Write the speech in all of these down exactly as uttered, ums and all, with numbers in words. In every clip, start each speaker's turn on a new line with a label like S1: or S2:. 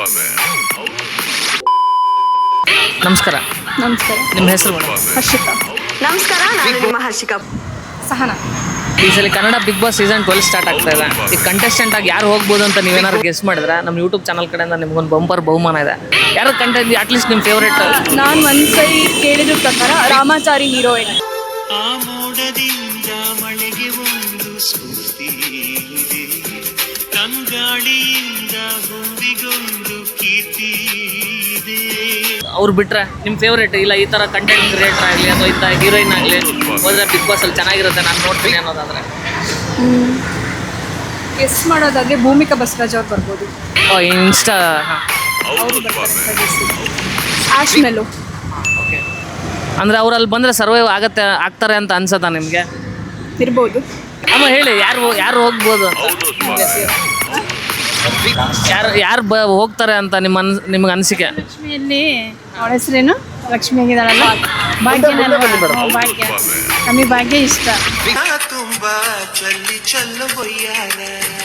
S1: ನಮಸ್ಕಾರ.
S2: ನಮಸ್ಕಾರ.
S1: ನಿಮ್ಮ ಹೆಸರು?
S2: ಹರ್ಷಿತಾ.
S3: ನಮಸ್ಕಾರ, ನಾನು ನಿಮ್ಮ ಹರ್ಷಿಕಾ.
S2: ಸಹನಾ.
S1: ಈ ಸಲ Kannada big boss season twelve start ಆಗ್ತಾ ಇದೆ. ಈ ಕಂಟೆಸ್ಟೆಂಟ್ ಆಗಿ ಯಾರು ಹೋಗ್ಬೋದು ಅಂತ ನೀವೇನಾದ್ರು ಗೆಸ್ ಮಾಡಿದ್ರೆ ನಮ್ಮ ಯೂಟ್ಯೂಬ್ ಚಾನಲ್ ಕಡೆಯಿಂದ ನಿಮ್ಗೊಂದು ಬಂಪರ್ ಬಹುಮಾನ ಇದೆ. ಯಾರು ಕಂಟೆಂಟ್ ಅಟ್ಲೀಸ್ಟ್ ನಿಮ್ಮ ಫೇವ್ರೇಟ್?
S2: ನಾನು ಒಂದ್ಸೈ ಕೇಳಿದ ಪ್ರಕಾರ ರಾಮಾಚಾರಿ ಹೀರೋಯಿನ್.
S4: ಆ ಮೋಡದಿಂದ ಮಳೆಗೆ ಒಂದು ಸ್ಫೂರ್ತಿ ಇದೆ, ತಂಗಾಳಿಯಿಂದ ಹೂವಿಗೊಂದು ಕೀರ್ತಿ ಇದೆ.
S1: ಅವ್ರು ಬಿಟ್ರೆ ನಿಮ್ಮ ಫೇವ್ರೇಟ್ ಇಲ್ಲ ಈ ಥರ ಕಂಟೆಂಟ್ ಕ್ರಿಯೇಟರ್ ಆಗಲಿ ಅಥವಾ ಇಂಥ ಹೀರೋಯಿನ್ ಆಗಲಿ ಹೋದರೆ ಬಿಗ್ ಬಾಸಲ್ಲಿ ಚೆನ್ನಾಗಿರುತ್ತೆ ನಾನು ನೋಡ್ತೀನಿ ಅನ್ನೋದಾದರೆ?
S2: ಗೆಸ್ ಮಾಡೋದಾದ್ರೆ ಭೂಮಿಕಾ ಬಸವರಾಜ್ ಅವ್ರು ಬರ್ಬೋದು.
S1: ಓ ಇನ್ಸ್ಟಾ.
S2: ಅವರು ಬರ್ತಾರೆ. ಆಶ್ ಮೆಲು.
S1: ಓಕೆ, ಅಂದರೆ ಅವ್ರು ಅಲ್ಲಿ ಬಂದರೆ ಸರ್ವೈವ್ ಆಗತ್ತೆ ಆಗ್ತಾರೆ ಅಂತ ಅನ್ಸತ್ತಾ ನಿಮಗೆ?
S2: ಇರ್ಬೋದು.
S1: ಅಮ್ಮ ಹೇಳಿ, ಯಾರು ಯಾರು ಹೋಗ್ಬೋದು ಅಂತ? ಯಾರು ಯಾರು ಬ ಹೋಗ್ತಾರೆ ಅಂತ ನಿಮ್ಮ ಅನ್ ನಿಮ್ಗೆ ಅನಿಸಿಕೆ?
S2: ಲಕ್ಷ್ಮಿಯಲ್ಲಿ ಅವಳ ಹೆಸರೇನು? ಲಕ್ಷ್ಮಿ ಆಗಿದ್ದಾಳಲ್ಲ, ಭಾಗ್ಯನಲ್ಲ. ಭಾಗ್ಯ, ನಮಗೆ ಭಾಗ್ಯ ಇಷ್ಟ.
S4: ತುಂಬಾ ಚಲ್ಲಿ ಚಲ್ಲು ಹೊಯ್ಯಾರ,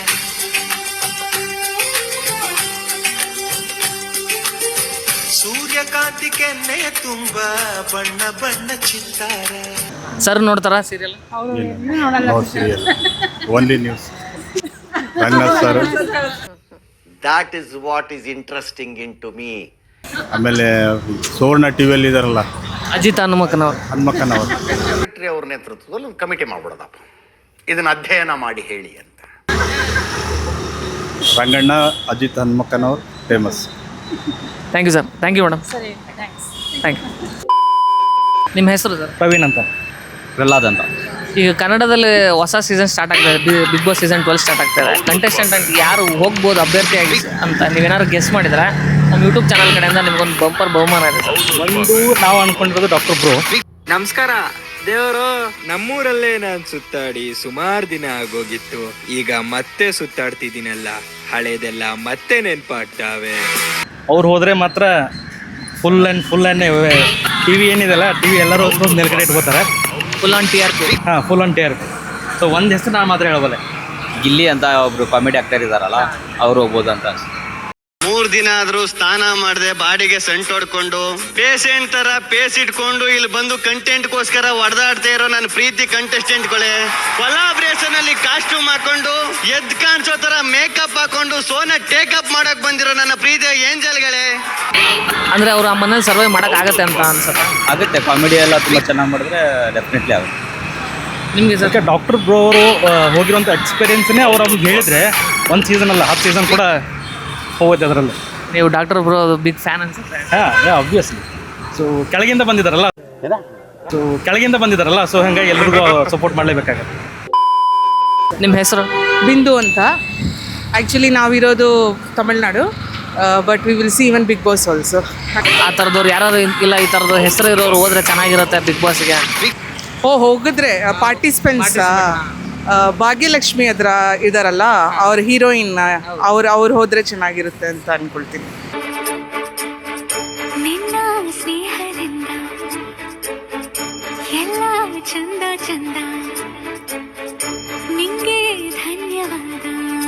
S4: ಸೂರ್ಯಕಾಂತಿ ಕೆನ್ನೆ ತುಂಬಾ ಬಣ್ಣ ಬಣ್ಣ ಚಿತ್ತಾರ.
S1: ಸರ್ ನೋಡ್ತಾರಾ ಸೀರಿಯಲ್?
S2: ಅವರು ನೋಡಲ್ಲ.
S5: Only news. Sir
S6: That is what is interesting into me.
S5: ಆಮೇಲೆ ಸುವರ್ಣ ಟಿವಿಯಲ್ಲಿ ಇದಾರಲ್ಲ
S1: ಅಜಿತ್ ಹನುಮಕ್ಕನವ್ರು.
S5: ಹನುಮಕ್ಕನವರು
S6: ಸೆಕ್ರೆಟರಿ ಅವ್ರ ನೇತೃತ್ವದಲ್ಲಿ ಒಂದು ಕಮಿಟಿ ಮಾಡ್ಬಿಡೋದಪ್ಪ, ಇದನ್ನ ಅಧ್ಯಯನ ಮಾಡಿ ಹೇಳಿ ಅಂತ.
S5: ರಂಗಣ್ಣ, ಅಜಿತ್ ಹನುಮಕ್ಕನವರು famous.
S1: Thank you sir. Thank you madam.
S2: ಸರಿ, ಥ್ಯಾಂಕ್ಸ್.
S1: Thank you. ನಿಮ್ಮ ಹೆಸರು ಸರ್?
S7: ಪ್ರವೀಣ್ ಅಂತ. ಪ್ರಹ್ಲಾದ್ ಅಂತ.
S1: ಈಗ ಕನ್ನಡದಲ್ಲಿ ಹೊಸ ಸೀಸನ್ ಸ್ಟಾರ್ಟ್ ಆಗ್ತದೆ, big boss season twelve start ಆಗ್ತದೆ. ಕಂಟೆಸ್ಟೆಂಟ್ ಅಂತ ಯಾರು ಹೋಗ್ಬೋದು ಅಭ್ಯರ್ಥಿಯಾಗಿ ಅಂತ ನೀವೇನಾದ್ರು ಗೆಸ್ ಮಾಡಿದ್ರೆ ನಮ್ಮ ಯೂಟ್ಯೂಬ್ ಚಾನಲ್ ಕಡೆಯಿಂದ ನಿಮ್ಗೊಂದು ಬಂಪರ್ ಬಹುಮಾನ ಇದೆ ಸರ್.
S7: ಒಂದು ನಾವು ಅನ್ಕೊಂಡಿರೋದು ಡಾಕ್ಟರ್ ಬ್ರೋ.
S8: ನಮಸ್ಕಾರ ದೇವರು. ನಮ್ಮೂರಲ್ಲೇ ನಾನು ಸುತ್ತಾಡಿ ಸುಮಾರು ದಿನ ಆಗೋಗಿತ್ತು, ಈಗ ಮತ್ತೆ ಸುತ್ತಾಡ್ತಿದ್ದೀನಲ್ಲ, ಹಳೇದೆಲ್ಲ ಮತ್ತೆ ನೆನ್ಪಾಗ್ತಾವೆ.
S7: ಅವ್ರು ಹೋದರೆ ಮಾತ್ರ full and full and T V ಏನಿದೆಲ್ಲ ಟಿ ವಿ ಎಲ್ಲರೂ ಒಂದು ನೆಲಗಡೆ ಇಟ್ಕೋತಾರೆ.
S1: Full on T R P.
S7: ಹಾಂ, full on T R P. So ಒಂದು ಹೆಸರು ನಾನು ಮಾತ್ರ ಹೇಳಬಲ್ಲೆ,
S9: ಗಿಲ್ಲಿ ಅಂತ ಒಬ್ರು ಕಾಮಿಡಿ ಆಕ್ಟರ್ ಇದಾರಲ್ಲ, ಅವ್ರು ಹೋಗ್ಬೋದು ಅಂತ.
S6: ಮೂರ್ ದಿನ ಆದ್ರೂ ಸ್ನಾನ ಮಾಡದೆ ಬಾಡಿಗೆ ಸೆಂಟ್ ಹೊಡ್ಕೊಂಡು ಪೇಷಂಟ್ ತರ ಪೇಸ್ ಇಟ್ಕೊಂಡು ಇಲ್ಲಿ ಬಂದು ಕಂಟೆಂಟ್ ಗೋಸ್ಕರ ಹೊಡೆದಾಡ್ತಾ ಇರೋ ನನ್ನ ಪ್ರೀತಿ ಕಂಟೆಸ್ಟೆಂಟ್ಗಳೇ, ಕೊಲಾಬ್ರೇಷನ್ ಅಲ್ಲಿ ಕಾಸ್ಟ್ಯೂಮ್ ಹಾಕೊಂಡು ಎದ್ ಕಾಣಿಸೋ ತರ ಮೇಕಪ್ ಹಾಕೊಂಡು ಸೋನ ಟೇಕಪ್ ಮಾಡಕ್ ಬಂದಿರೋ ನನ್ನ ಪ್ರೀತಿಯ ಏಂಜಲ್ಗಳೇ.
S1: ಅಂದ್ರೆ ಅವ್ರು ಆ ಮನೇಲಿ ಸರ್ವೈವ್ ಮಾಡಕ್ ಆಗತ್ತೆ ಅಂತ ಅನ್ಸುತ್ತೆ.
S9: ಆಗುತ್ತೆ, ಕಾಮಿಡಿ ಎಲ್ಲ ತುಂಬ ಚೆನ್ನಾಗಿ ಮಾಡಿದ್ರೆ ಡೆಫಿನೆಟ್ಲಿ ಆಗುತ್ತೆ.
S7: ನಿಮಗೆ ಸರ್ ಡಾಕ್ಟರ್ ಬ್ರೋ ಅವರು ಹೋಗಿರೋಂಥ ಎಕ್ಸ್ಪೀರಿಯನ್ಸ್ನೇ ಅವ್ರು ಅವ್ರಿಗೆ ಹೇಳಿದರೆ ಒಂದು ಸೀಸನ್ ಅಲ್ಲ ಹತ್ತು ಸೀಸನ್ ಕೂಡ ಹೋಗುತ್ತೆ ಅದರಲ್ಲಿ.
S1: ನೀವು ಡಾಕ್ಟರ್ ಬ್ರೋ ಬಿಗ್ ಫ್ಯಾನ್ ಅನ್ಸುತ್ತೆ.
S7: ಹಾಂ, ಆಬ್ವಿಯಸ್ಲಿ. ಸೊ ಕೆಳಗಿಂದ ಬಂದಿದ್ದಾರಲ್ಲ ಸೊ ಕೆಳಗಿಂದ ಬಂದಿದ್ದಾರಲ್ಲ ಸೊ ಹಂಗಾಗಿ ಎಲ್ರಿಗೂ ಸಪೋರ್ಟ್ ಮಾಡಲೇಬೇಕಾಗತ್ತೆ.
S1: ನಿಮ್ಮ ಹೆಸರು?
S10: ಬಿಂದು ಅಂತ. ಆ್ಯಕ್ಚುಲಿ ನಾವಿರೋದು Tamil Nadu, but we will see even big boss also.
S1: ಆ ಥರದವ್ರು ಯಾರು ಇಲ್ಲ ಈ ಥರದ್ದು ಹೆಸರು ಇರೋರು ಹೋದ್ರೆ ಚೆನ್ನಾಗಿರುತ್ತೆ ಬಿಗ್ ಬಾಸ್ಗೆ?
S10: ಓ ಹೋಗಿದ್ರೆ ಪಾರ್ಟಿಸಿಪೆಂಟ್ಸ್ ಭಾಗ್ಯಲಕ್ಷ್ಮಿ ಅದ್ರ ಇದಾರಲ್ಲ, ಅವ್ರ ಹೀರೋಯಿನ್, ಅವ್ರು ಅವ್ರು ಹೋದ್ರೆ ಚೆನ್ನಾಗಿರುತ್ತೆ ಅಂತ ಅನ್ಕೊಳ್ತೀನಿ.
S11: ನಿನ್ನ ಸ್ನೇಹದಿಂದ ಎಲ್ಲ ಚಂದ ಚಂದ, ನಿಂಗೆ ಧನ್ಯವಾದ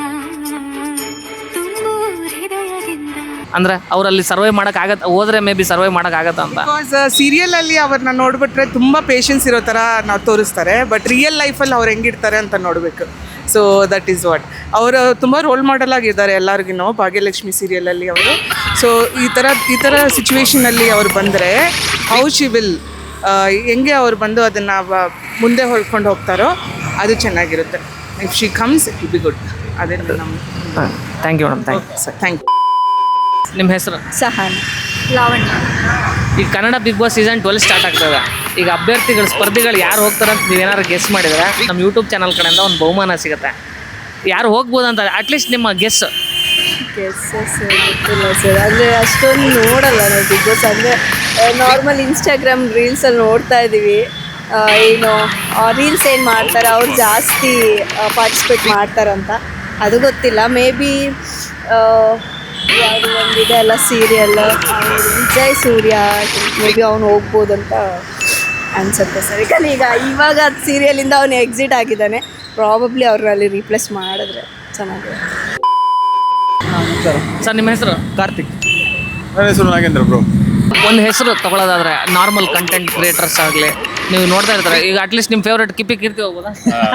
S11: ತುಂಬು ಹೃದಯದಿಂದ.
S1: ಅಂದ್ರೆ ಅವರಲ್ಲಿ ಸರ್ವೈವ್ ಮಾಡಕ್ ಆಗತ್ತ, ಹೋದ್ರೆ ಮೇ ಬಿ ಸರ್ವೈವ್ ಮಾಡಕ್ ಆಗತ್ತ ಅಂತ.
S10: ಬಿಕಾಸ್ ಸೀರಿಯಲ್ ಅಲ್ಲಿ ಅವ್ರನ್ನ ನೋಡ್ಬಿಟ್ರೆ ತುಂಬಾ ಪೇಷನ್ಸ್ ಇರೋ ತರ ನಾವು ತೋರಿಸ್ತಾರೆ, ಬಟ್ ರಿಯಲ್ ಲೈಫಲ್ಲಿ ಅವ್ರು ಹೆಂಗಿರ್ತಾರೆ ಅಂತ ನೋಡಬೇಕು. So that is what. ಅವರು ತುಂಬ ರೋಲ್ ಮಾಡೆಲ್ ಆಗಿದ್ದಾರೆ ಎಲ್ಲರಿಗೂ ಭಾಗ್ಯಲಕ್ಷ್ಮಿ ಸೀರಿಯಲಲ್ಲಿ ಅವರು. ಸೊ ಈ ಥರ ಈ ಥರ ಸಿಚುವೇಶನಲ್ಲಿ ಅವ್ರು ಬಂದರೆ ಹೌ ಶಿ ವಿಲ್, ಹೆಂಗೆ ಅವ್ರು ಬಂದು ಅದನ್ನು ಮುಂದೆ ಹೊಳ್ಕೊಂಡು ಹೋಗ್ತಾರೋ ಅದು ಚೆನ್ನಾಗಿರುತ್ತೆ. If she comes it will be good. ಅದೇ ನಮ್ಮ.
S1: Thank you madam. Thank you sir.
S10: Thank you.
S1: ನಿಮ್ಮ ಹೆಸರು?
S2: ಸಹನ್. ಲಾವಣ್ಯ.
S1: ಈಗ Kannada big boss season twelve start ಆಗ್ತದೆ. ಈಗ ಅಭ್ಯರ್ಥಿಗಳು ಸ್ಪರ್ಧಿಗಳು ಯಾರು ಹೋಗ್ತಾರೆ ಅಂತ ನೀವೇನಾದ್ರು ಗೆಸ್ ಮಾಡಿದ್ರೆ ನಮ್ಮ ಯೂಟ್ಯೂಬ್ ಚಾನಲ್ ಕಡೆಯಿಂದ ಒಂದು ಬಹುಮಾನ ಸಿಗುತ್ತೆ. ಯಾರು ಹೋಗ್ಬೋದು ಅಂತ ಅಟ್ಲೀಸ್ಟ್ ನಿಮ್ಮ ಗೆಸ್?
S2: ಗೆಸ್ಸಸ್ ಗೊತ್ತಿಲ್ಲ ಸರ್, ಅಂದರೆ ಅಷ್ಟೊಂದು ನೋಡಲ್ಲ ನಾವು ಬಿಗ್ ಬಾಸ್. ಅಂದರೆ ನಾರ್ಮಲ್ ಇನ್ಸ್ಟಾಗ್ರಾಮ್ ರೀಲ್ಸಲ್ಲಿ ನೋಡ್ತಾ ಇದ್ದೀವಿ, ಏನು ರೀಲ್ಸ್ ಏನು ಮಾಡ್ತಾರೆ ಅವ್ರು ಜಾಸ್ತಿ ಪಾರ್ಟಿಸಿಪೇಟ್ ಮಾಡ್ತಾರಂತ, ಅದು ಗೊತ್ತಿಲ್ಲ. ಮೇ ಬಿ ಯಾವುದು ಒಂದಿದೆ ಅಲ್ಲ serial, Vijay Surya, maybe ಅವ್ನು ಹೋಗ್ಬೋದು ಅಂತ ಅನ್ಸುತ್ತೆ ಸರ್. ಯಾಕಂದರೆ ಈಗ ಇವಾಗ ಸೀರಿಯಲಿಂದ ಅವನು ಎಕ್ಸಿಟ್ ಆಗಿದ್ದಾನೆ, ಪ್ರಾಬಬ್ಲಿ ಅವ್ರಲ್ಲಿ ರೀಪ್ಲೇಸ್ ಮಾಡಿದ್ರೆ ಚೆನ್ನಾಗಿದೆ.
S7: ಸರ್
S1: ಸರ್ ನಿಮ್ಮ ಹೆಸರು?
S7: ಕಾರ್ತಿಕ್.
S5: ನನ್ನ ಹೆಸರು ನಾಗೇಂದ್ರ ಬ್ರೋ.
S1: ಒಂದು ಹೆಸರು ತಗೊಳ್ಳೋದಾದ್ರೆ ನಾರ್ಮಲ್ ಕಂಟೆಂಟ್ ಕ್ರಿಯೇಟರ್ಸ್ ಆಗಲಿ ನೀವು ನೋಡ್ತಾ ಇರ್ತಾರೆ, ಈಗ ಅಟ್ಲೀಸ್ಟ್ ನಿಮ್ಮ ಫೇವ್ರೇಟ್ ಕಿಪ್ಪಿ ಕೀರ್ತಿ ಹೋಗ್ಬೋದಾ?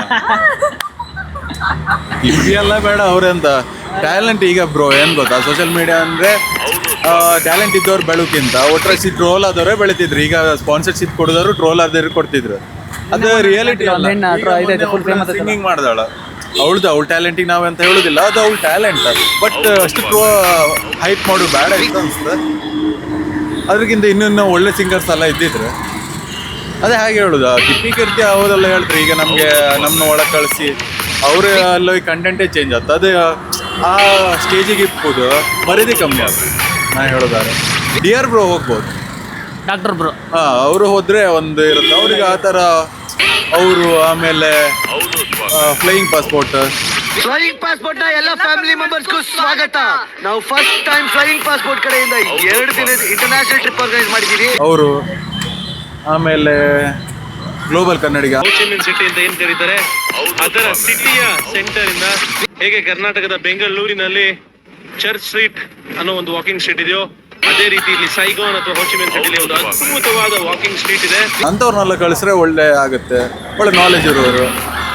S5: ಕಿಪ್ಪಿ ಎಲ್ಲ ಬೇಡ ಅವ್ರೆ ಅಂತ ಟ್ಯಾಲೆಂಟ್. ಈಗ ಬ್ರೋ ಏನು ಗೊತ್ತಾ, ಸೋಷಿಯಲ್ ಮೀಡಿಯಾ ಅಂದರೆ ಟ್ಯಾಲೆಂಟ್ ಇದ್ದವ್ರು ಬೆಳಕಿಂತ ಒಟ್ರಾಸಿ ಟ್ರೋಲ್ ಆದವರೇ ಬೆಳಿತಿದ್ರು. ಈಗ ಸ್ಪಾನ್ಸರ್ಶಿಪ್ ಕೊಡಿದವರು ಟ್ರೋಲ್ ಆದವ್ರು ಕೊಡ್ತಿದ್ರು. ಅದು ರಿಯಾಲಿಟಿ ಅಲ್ಲ. ಸಿಂಗಿಂಗ್ ಮಾಡ್ದಾಳ ಅವಳದು ಅವಳ ಟ್ಯಾಲೆಂಟಿಗೆ ನಾವು ಅಂತ ಹೇಳೋದಿಲ್ಲ, ಅದು ಅವಳ ಟ್ಯಾಲೆಂಟ್. ಬಟ್ ಅಷ್ಟು ಟ್ರೋ ಹೈಪ್ ಮಾಡು ಬೇಡ ಇತ್ತು ಅನ್ಸುತ್ತೆ. ಅದ್ರಕ್ಕಿಂತ ಇನ್ನೂ ಒಳ್ಳೆ ಸಿಂಗರ್ಸ್ ಎಲ್ಲ ಇದ್ದಿದ್ರು. ಅದೇ ಹಾಗೆ ಹೇಳೋದು, ಕಿಪ್ಪಿ ಕೀರ್ತಿ ಅವರೆಲ್ಲ ಹೇಳ್ತಾರೆ ಈಗ ನಮಗೆ ನಮ್ಮನ್ನ ಒಳಗೆ ಕಳಿಸಿ ಅವರು ಎಲ್ಲ ಕಂಟೆಂಟೇ ಚೇಂಜ್ ಆಗ್ತದೆ. ಅದು ಆ ಸ್ಟೇಜಿಗೆ ಇಪ್ಪದು ಮರ್ಯಾದೆ ಕಮ್ಮಿ ಆಗ್ತದೆ. ನಾನು ಹೇಳೋದಾದ್ರೆ ಡಿ ಆರ್ ಬ್ರೋ ಹೋಗ್ಬೋದು,
S1: ಡಾಕ್ಟರ್ ಬ್ರೋ.
S5: ಹಾಂ ಅವರು ಹೋದರೆ ಒಂದು ಇರುತ್ತೆ ಅವ್ರಿಗೆ ಆ ಥರ. ಅವರು ಆಮೇಲೆ ಫ್ಲೈಯಿಂಗ್ ಪಾಸ್ಪೋರ್ಟ್
S6: ಫ್ಲೈಯಿಂಗ್ ಪಾಸ್ಪೋರ್ಟ್ ನ ಎಲ್ಲ ಫ್ಯಾಮಿಲಿ ಮೆಂಬರ್ಸ್ಗೂ ಸ್ವಾಗತ. ನಾವು ಫಸ್ಟ್ ಟೈಮ್ ಫ್ಲೈಯಿಂಗ್ ಪಾಸ್ಪೋರ್ಟ್ ಕಡೆಯಿಂದ ಎರಡು ದಿನದ ಇಂಟರ್ನ್ಯಾಷನಲ್ ಟ್ರಿಪ್ ಆರ್ಗನೈಸ್ ಮಾಡಿದ್ದೀವಿ.
S5: ಅವರು ಆಮೇಲೆ ಗ್ಲೋಬಲ್ ಕನ್ನಡಿಗ
S12: ಸಿಟಿ ಅಂತ ಏನ್ ಕರೀತಾರೆ, ಅದರ ಸಿಟಿಯ ಸೆಂಟರ್ ಇಂದ ಹೇಗೆ ಕರ್ನಾಟಕದ ಬೆಂಗಳೂರಿನಲ್ಲಿ ಚರ್ಚ್ ಸ್ಟ್ರೀಟ್ ಅನ್ನೋ ಒಂದು ವಾಕಿಂಗ್ ಸ್ಟ್ರೀಟ್ ಇದೆಯೋ, ಅದೇ ರೀತಿ ಇಲ್ಲಿ ಸೈಗೋನ್ ಅಥವಾ ಹೋಚಿಮಿನ್ ಸಿಟಿಲಿ ಒಂದು ಅದ್ಭುತವಾದ ವಾಕಿಂಗ್ ಸ್ಟ್ರೀಟ್ ಇದೆ.
S5: ಅಂಥವ್ರನ್ನೆಲ್ಲ ಕಳಿಸ್ರೆ ಒಳ್ಳೆ ಆಗುತ್ತೆ, ಒಳ್ಳೆ ನಾಲೆಜ್ ಇರೋರು.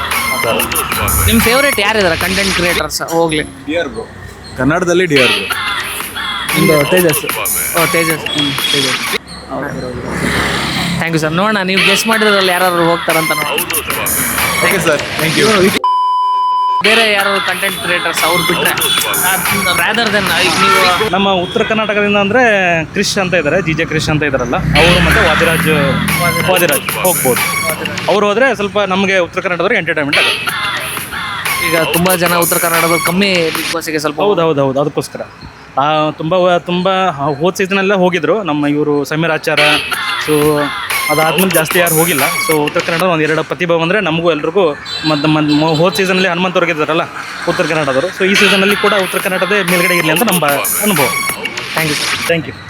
S1: ನಿಮ್ಮ ಫೇವ್ರೇಟ್ ಯಾರಿದ್ದಾರೆ ಕಂಟೆಂಟ್ ಕ್ರಿಯೇಟರ್ಸ್? ಹೋಗ್ಲಿ
S5: ಡಿ ಆರ್ ಬ್ರೋ, ಕನ್ನಡದಲ್ಲಿ ಡಿ ಆರ್ ಬ್ರೋ.
S7: ಒಂದು ತೇಜಸ್.
S1: ಓ Tejas. Tejas thank you sir. ನೋಡೋಣ ನೀವು ಗೆಸ್ ಮಾಡಿದ್ರಲ್ಲಿ ಯಾರು ಹೋಗ್ತಾರಂತ ನೋಡಿ.
S5: Okay sir, thank you.
S1: ಬೇರೆ ಯಾರು ಕಂಟೆಂಟ್ ಕ್ರಿಯೇಟರ್ಸ್ ಅವ್ರು ಬಿಟ್ಟರೆ ರಾದರ್ ದೆನ್ ನೀವು
S7: ನಮ್ಮ ಉತ್ತರ ಕರ್ನಾಟಕದಿಂದ ಅಂದರೆ ಕ್ರಿಶ್ ಅಂತ ಇದ್ದಾರೆ, ಜಿ ಜೆ ಕ್ರಿಶ್ ಅಂತ ಇದ್ದಾರಲ್ಲ ಅವರು, ಮತ್ತು ವಾದಿರಾಜ್ ವಾದಿರಾಜ್ ಹೋಗ್ಬೋದು. ಅವ್ರು ಹೋದರೆ ಸ್ವಲ್ಪ ನಮಗೆ ಉತ್ತರ ಕನ್ನಡದವ್ರಿಗೆ ಎಂಟರ್ಟೈನ್ಮೆಂಟ್ ಆಗುತ್ತೆ.
S1: ಈಗ ತುಂಬ ಜನ ಉತ್ತರ ಕನ್ನಡದವ್ರು ಕಮ್ಮಿ ಬಿಗ್ ಬಾಸಿಗೆ ಸ್ವಲ್ಪ.
S7: ಹೌದು ಹೌದು ಹೌದು ಅದಕ್ಕೋಸ್ಕರ ತುಂಬ ತುಂಬ ಹೋದ ಸೀಸನೆಲ್ಲ ಹೋಗಿದ್ರು ನಮ್ಮ ಇವರು ಸಮೀರ್ ಆಚಾರ. ಸೊ ಅದಾದ್ಮೇಲೆ ಜಾಸ್ತಿ ಯಾರು ಹೋಗಿಲ್ಲ. ಸೊ ಉತ್ತರ ಕನ್ನಡ ಒಂದು ಎರಡು ಪ್ರತಿಭೆ ಬಂದರೆ ನಮಗೂ ಎಲ್ರಿಗೂ ಮತ್ತು ಮತ್ತು ಹೋದ ಸೀಸನಲ್ಲಿ ಹನುಮಂತವ್ರಿಗೆ ಇದ್ದಾರಲ್ಲ ಉತ್ತರ ಕನ್ನಡದವರು. ಸೊ ಈ ಸೀಸನಲ್ಲಿ ಕೂಡ ಉತ್ತರ ಕನ್ನಡದೇ ಮೇಲ್ಗಡೆ ಇರಲಿ ಅಂತ ನಮ್ಮ ಅನುಭವ.
S1: Thank you sir.
S7: Thank you.